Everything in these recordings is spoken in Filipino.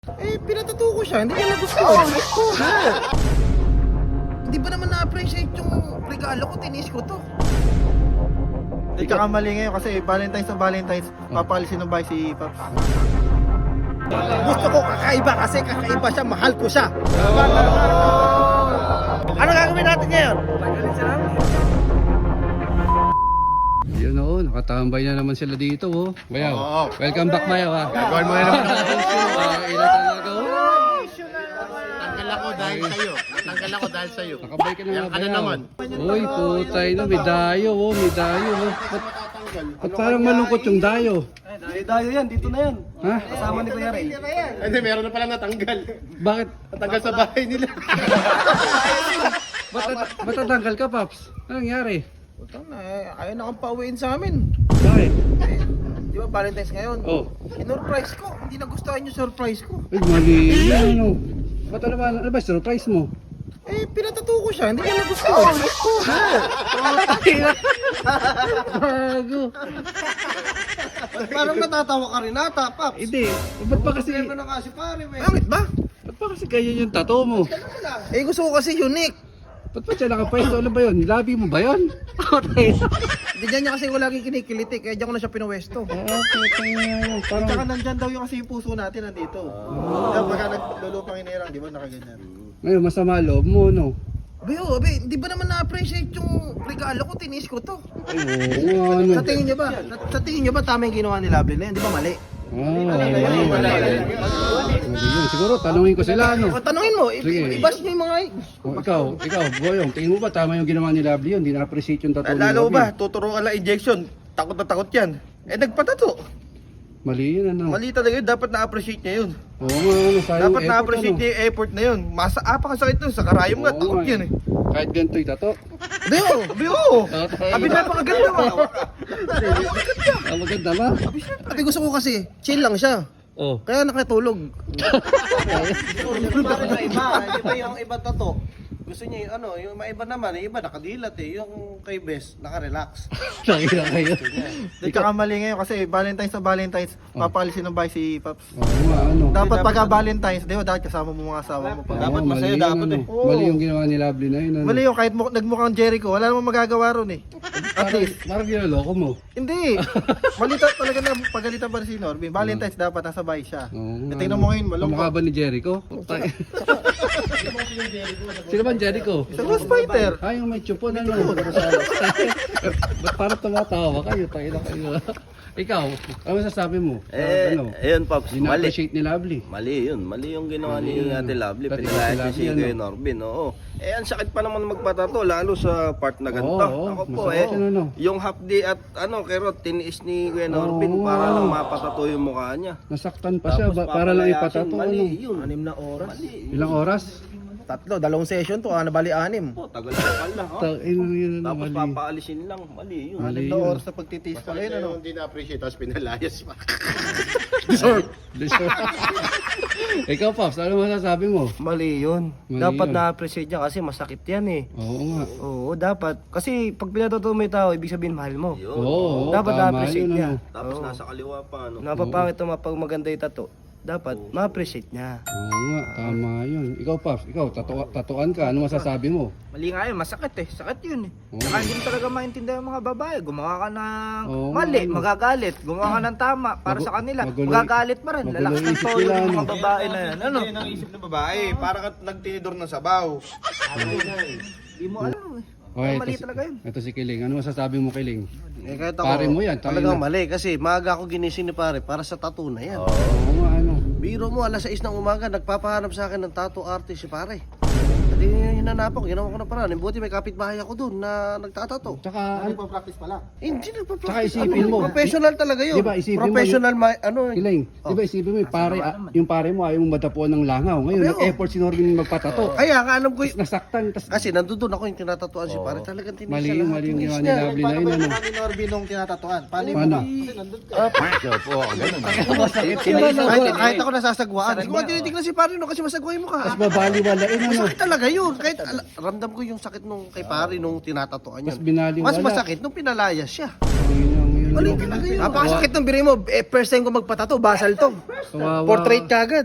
Pinatato ko siya, hindi niya nagustuhan. Hindi ba naman na-appreciate yung regalo ko, tinis ko to. Hindi ka kamali ngayon kasi Valentine's na Valentine's, papalisin ng bahay si Paps. Gusto ko kakaiba kasi kakaiba siya, mahal ko siya. Ano gagawin natin ngayon? Yun oo, nakatambay na naman sila dito oh. Bayaw, Oo. welcome back Bayaw ha. Gagawin mo na naman. Ilan talaga oh. Tanggal ako dahil sa'yo. Tanggal ako dahil sa'yo. Nakabay ka na Yan nga ka na Bayaw. naman. Uy, putay no, may dayo oh, may dayo oh. Ba't parang malungkot yung dayo? Dayo yan, dito na yan. Ha? Kasama ni Kuya Ray. Hindi, meron na pala natanggal. Bakit? Natanggal sa bahay nila. Ba't natanggal ka Paps? Anong nangyari? Utang na ayaw na kang pauwiin sa amin. Bakit? Di ba Valentine's ngayon? Oh. Sinurprise ko, hindi nagustuhan yung surprise ko. Ay, mali yun ano. Ba't ano ba surprise mo? Pinatato ko siya, hindi niya nagustuhan. Bago. Parang natatawa ka rin ata, Paps. Hindi. Ba't pa kasi, Ano na nga si pare, we. Bakit ba? ba't pa kasi ganyan yung tattoo mo? Gusto ko kasi unique. Ba't pa siya nakapwesto? Ano ba yun? Labi mo ba yun? Hindi dyan niya kasi ko lagi kinikiliti, kaya dyan ko na siya pinuwesto. Okay, parang... Tsaka nandyan daw yung kasi yung puso natin nandito. Kaya pagka naglulupang inirang, di ba nakaganyan? Ngayon, masama loob mo, no? Abe, hindi ba naman na-appreciate yung regalo ko, tinis ko to. Ay, oo, ano? Sa tingin niyo ba? Sa tingin niyo ba tama yung ginawa ni Lovely na yan? Di ba mali? Mali yun. Siguro, tanungin ko sila, ano? O tanungin mo, Sige. ibas niyo yung mga... Ikaw, Boyong, tingin mo ba tama yung ginawa ni Lovely yun? Hindi na-appreciate yung tattoo ni Lalo Lovely? ba, tuturo ka lang injection. Takot na takot yan. Nagpatato. Mali yun, ano? Mali talaga yun, dapat na-appreciate niya yun. Oo nga, ano? Sayang Dapat effort, na-appreciate ano? niya yung effort na yun. Apakasakit nun, sa karayom nga, Oo takot nga, yan eh. Kahit ganito'y tattoo. Abi, oo. Abi, napakaganda ba? Ah, maganda ba? Sabi gusto ko kasi, chill lang siya. Oh. Kaya nakatulog. Parang iba, di ba yung iba tato? Gusto niya yung ano, yung maiba naman, yung iba nakadilat eh. Yung kay Bes, nakarelax. Nakira kayo. Hindi ka kamali ngayon kasi Valentine's na Valentine's, papalisin ng bahay si Paps. Oo nga, ano? Dapat pagka Valentine's, di ba dapat kasama mo mga asawa mo pa. Dapat Oo, masaya, mali yun, dapat ano? eh. Oo. Mali yung ginawa ni Lovely na yun, ano? Mali yun, kahit nagmukhang Jericho, wala namang magagawa ron eh. At least. Parang ginaloko mo. Hindi. Malita talaga na pagalitan pa rin si Norbin. Valentine's dapat nasa bahay siya. Oo nga, Tingnan ano? mo ngayon, malungkot. Kamukha ba ni Jericho? Sino ba Jericho? Sa Ghost Fighter. Ah, yung may chupon, ano? Ba't parang tumatawa kayo? Tayo na kayo. Ikaw, ano masasabi mo? Ano? Ayun, Pops, mali. Dina-appreciate ni Lovely. Mali yun. Mali yung ginawa ni Ate Lovely. Dati Pinalayas si niya si Lovely, Kuya ano? Norbin, oo. Ang sakit pa naman magpatato, lalo sa part na ganito. Oo, Ako po, masakit yun, ano? yung half day at kerot, tiniis ni Kuya Norbin Oo. para lang mapatato yung mukha niya. Nasaktan pa siya, para lang ipatato, mali ano? yun. 6 na oras. Mali. Ilang oras? 3, 2 session to, bali 6. Po, tagal na pala. Yun, Tapos mali. papaalisin lang. Mali yun. Mali Na yun. oras na pagtitiis pa ngayon, ano? Hindi na-appreciate, tapos pinalayas pa. Ikaw, Pops, ano masasabi mo? Mali yun. Mali Dapat yun. na-appreciate niya kasi masakit yan eh. Oo nga. Oo, dapat. Kasi pag pinatato mo yung tao, ibig sabihin mahal mo. Yun. Oo, Dapat tama na-appreciate yun, niya. ano? Tapos Oo. nasa kaliwa pa, ano. Napapangit naman pag maganda yung tato. Dapat ma-appreciate niya. Oo nga, tama yun. Ikaw, Pops, tatuan ka, ano masasabi mo? Mali nga yun, masakit eh. Sakit yun eh. Oo. Saka hindi mo talaga maintindihan yung mga babae. Gumawa ka ng Oo, mali, ano. magagalit. Gumawa ka ng tama para sa kanila. magulo- Magagalit pa rin. magulo Lalakas ng isip toyo nila, ng ano. mga babae na yan. Ano? Yan ang isip ng babae, para ka nagtinidor ng sabaw. Hindi mo alam eh. Okay, Mali talaga yun. ito si Kiling. Ano masasabi mo, Kiling? Kahit ako, Pare mo yan, tayo talagang na. mali kasi maaga ako ginising ni pare para sa tattoo na yan. Oo nga, ano? Biro mo, alas 6 ng umaga, nagpapahanap sa akin ng tattoo artist si pare. Hindi hinanap ako, ginawa ko na paraan. Buti may kapitbahay ako doon na nagtatato. Tsaka, ano, Nagpa-practice pala. Hindi nagpa-practice. Tsaka isipin mo. Professional talaga yun. Di ba, isipin mo, Professional, ano. Kiling, di ba isipin mo, yung pare mo ayaw mong madapuan ng langaw. Ngayon, Abi, nag-effort si Norbin magpatato. Kaya nga alam ko Nasaktan, tas kasi nandun ako yung tinatatuan si pare. Talagang tinis mali siya yung lahat. mali yung Tinis ginawa ni niya. Lovely na Paano yun, ba ano? yung ni Norbin nung tinatatuan? Paano yung Paano? kasi nandun ka? Kahit ako nasasagwaan. Hindi ko nga tinitignan si pare no kasi masagway mo ka. Tapos babaliwalain, ano? Masakit talaga yun. Kahit ramdam ko yung sakit nung kay pare nung tinatatuan yun. Mas binaliwala. Mas masakit nung pinalayas siya. Yun, Mali talaga yun. Napakasakit ng biri mo. First time ko magpatato, basal to. Kawawa. Portrait kagad.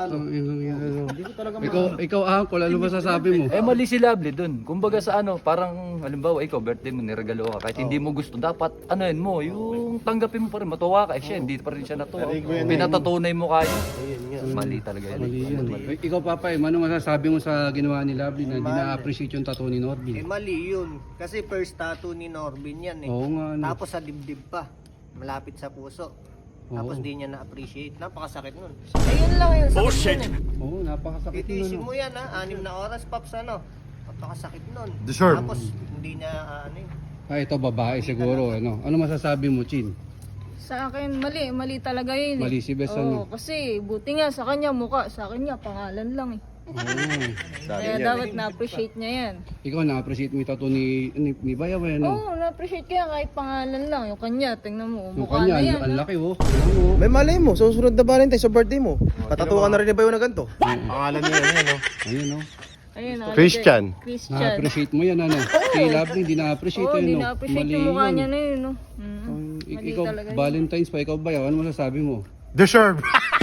Ikaw Uncle, ano masasabi mo? Eh mali si Lovely dun. Kumbaga sa ano, parang halimbawa ikaw birthday mo niregalo ka kahit hindi mo gusto dapat ano yun mo, yung tanggapin mo pa rin matuwa ka. Eh siya hindi pa rin siya natuwa. Pinatatunay mo kayo. Mali talaga yun. Mali yan. Ikaw Papay, ano masasabi mo sa ginawa ni Lovely na hindi na-appreciate yung tattoo ni Norbin? Mali yun. Kasi first tattoo ni Norbin yan eh. Oo nga. Ano. Tapos sa dibdib pa. Malapit sa puso. Tapos di niya na-appreciate. Napakasakit nun. Ayun lang yun. Sakit nun eh. Oo, napakasakit Titiisin nun. mo yan ha. 6 na oras, Paps, ano. Napakasakit nun. Deserve. Tapos hindi niya ano yun. Ito babae siguro. Ano masasabi mo, Chin? Sa akin, mali talaga yun eh. Mali si Bes, Oo, kasi buti nga sa kanya mukha, sa akin nga pangalan lang eh. Kaya dapat na-appreciate niya yan. Ikaw na-appreciate mo yung tattoo ni Bayaw, ano? Oo, na-appreciate ko yan kahit pangalan lang. Yung kanya, tingnan mo, Yung mukha kanya, na yan. ang ah. laki oh. Ano? May malay mo, susunod na Valentine sa birthday mo. Patatuwa na rin ni Bayo na ganito. Pangalan niya yan, no? Ayun oh. Ayun, nakalagay. Christian. Christian. Na-appreciate mo yan, ano? Si Lovely, hindi na-appreciate Oo, yun, hindi no? na-appreciate Mali yung mukha yun. niya na yun, no? Mali Ikaw, talaga yun. Valentine's pa, ikaw Bayaw, ano masasabi mo? Deserve.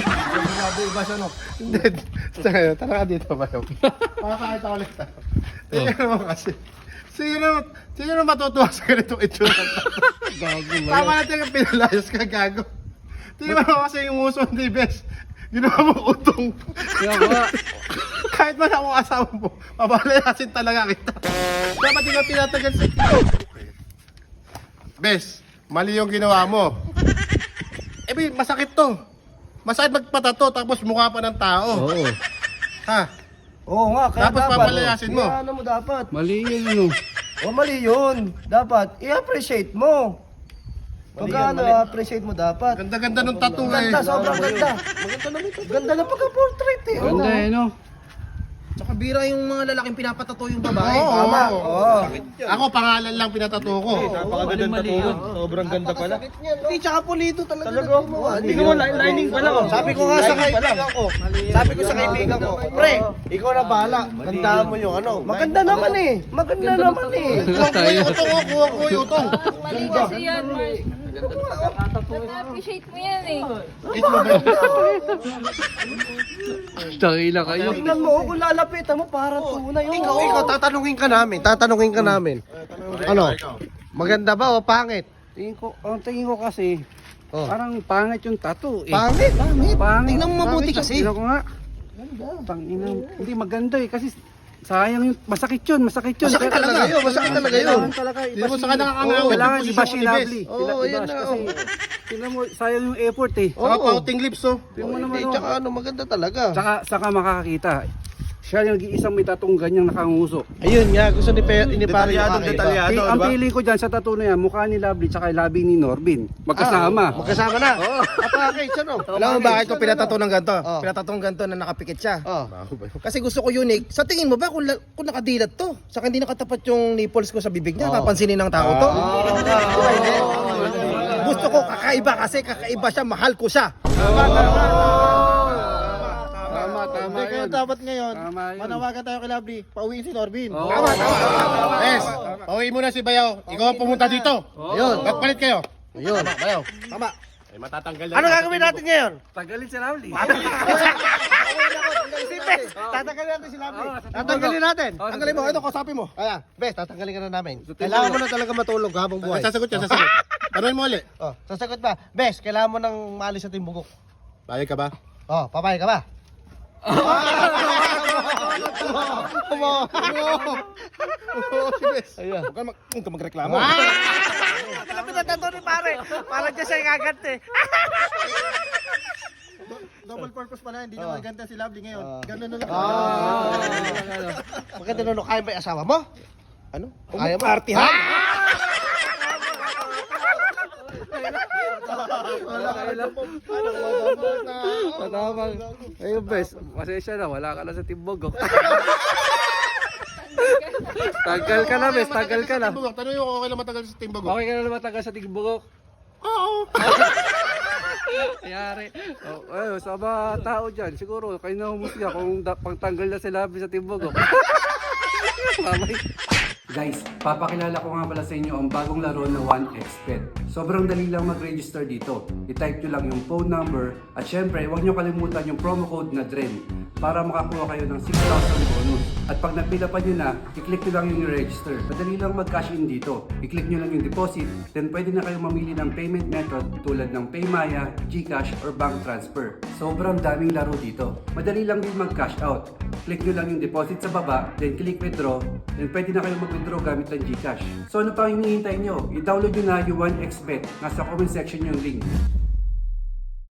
Hindi. Tara ka dito ba yun? Makakakita ko ulit. Tingnan mo kasi. Sino matutuwa sa ganitong itsura? Gago Tama natin yung pinalayas ka, gago. Tingnan mo kasi yung uso ni Bes. Ginawa mo utong. Kaya ba? Kahit man ako asawa mo, mabalayasin talaga kita. Dapat ikaw tinatagal sa ito. Bes, mali yung ginawa mo. Masakit to. Masakit magpatato tapos mukha pa ng tao. Oo. Ha? Oo nga, kaya Tapos dapat. papalayasin mo. Ano mo dapat? Mali yun, ano? Mali yun. Dapat, i-appreciate mo. Pagka appreciate mo dapat. Ganda-ganda nung tattoo eh. Ganda, sobrang ganda. Ganda na pagka-portrait eh. Ganda eh, no? Tsaka bira yung mga lalaking pinapatato yung babae. Oo, Tama. oo. Oo. Ako pangalan lang pinatato ko. Mali yun. Sobrang ganda pala. Hindi, tsaka pulido talaga. Tingnan mo, lining pa lang. Sabi ko nga sa kaibigan ko. Sabi ko sa kaibigan ko, pre, ikaw na bahala. Gandaan mo yung ano. Maganda naman eh. Maganda naman eh. Kuha ko yung utong ko, kuha ko yung utong. Mali kasi yan, Mars. Na-appreciate mo yan eh. Tangina kayo. Tingnan mo, kung lalapitan mo, parang tunay. Ikaw, tatanungin ka namin. Ano? Maganda ba o pangit? Ang tingin ko kasi, Oh. parang pangit yung tattoo eh. Pangit? Pangit. Tingnan mo mabuti kasi. Tingnan ko nga. Tangina. Hindi maganda eh kasi sayang yung masakit yun. Masakit talaga yun. Kailangan talaga Hindi mo sa ka nakakangawin. Kailangan Yung iba si posisyon ni Bes. Lovely. Oo, yan na. Kasi tingnan mo, sayang yung effort eh. Saka pouting lips oh. Tingnan mo naman Hindi, oh. tsaka ano, maganda talaga. Saka makakakita. Siya yung nag-iisang may tatong ganyang nakanguso. Ayun nga, gusto ni Pare yung kakaiba. Ang feeling ko dyan sa tattoo na yan, mukha ni Lovely tsaka labi ni Norbin. Magkasama. Magkasama na. Apakit, ano? Alam mo bakit ko pinatato ng ganito? Oh. Pinatato ng ganito na nakapikit siya. Oh. Kasi gusto ko unique. Sa tingin mo ba kung nakadilat to? Saka hindi nakatapat yung nipples ko sa bibig niya, papansinin ng tao to? Gusto ko kakaiba kasi kakaiba siya, mahal ko siya. Tama Kaya yun. dapat ngayon, Tama yun. manawagan tayo kay Lovely, pauwiin si Norbin. Oo. Bes, pauwiin mo na si Bayaw. Ikaw ang pumunta dito. Yun. Magpalit kayo. Yun. Bayaw. Tama. Ay, matatanggal na. Ano gagawin natin ngayon? Tagalin si Lovely. Tatanggalin natin si Lovely. Tatanggalin natin. Tanggalin mo, ito kausapin mo. Kaya, Bes, tatanggalin ka na namin. Kailangan mo na talaga matulog habang buhay. Sasagot siya, sasagot. Tanungin mo ulit. Oh, sasagot ba? Bes, kailangan mo nang maalis sa Timbukok. Bayag ka ba? Oh, papayag ka ba? Huwag ka magreklamo. Alam mo na ni pare. Parang dyan siya ikagante. Double purpose pala, hindi na maganda si Lovely ngayon. Ganun na lang. Maganda nun, kaya ba yung asawa mo? Ano? Kaya mo? Partihan. Tama. Ayun, Bes. Pasensya na, wala ka na sa Timbog. Oh. Tagal ka na, Bes. Tagal ka na. Tanungin ko kung okay lang matagal sa Timbog. Okay ka na naman tagal sa Timbog. Oo. Yari. Oh, sa mga tao dyan, siguro, kayo na humusga kung pagtanggal na si Lovely sa Timbog. Mamay. Guys, papakilala ko nga pala sa inyo ang bagong laro na 1xbet. Sobrang dali lang mag-register dito. I-type nyo lang yung phone number at syempre, huwag nyo kalimutan yung promo code na DREN para makakuha kayo ng 6,000 bonus. At pag nagpila pa nyo na, i-click nyo lang yung register. Madali lang mag-cash in dito. I-click nyo lang yung deposit, then pwede na kayo mamili ng payment method tulad ng Paymaya, GCash, or bank transfer. Sobrang daming laro dito. Madali lang din mag-cash out. Click nyo lang yung deposit sa baba, then click withdraw, then pwede na kayo mag-withdraw gamit ng GCash. So ano pang hinihintay nyo? I-download nyo na yung 1xbet. Nasa comment section yung link.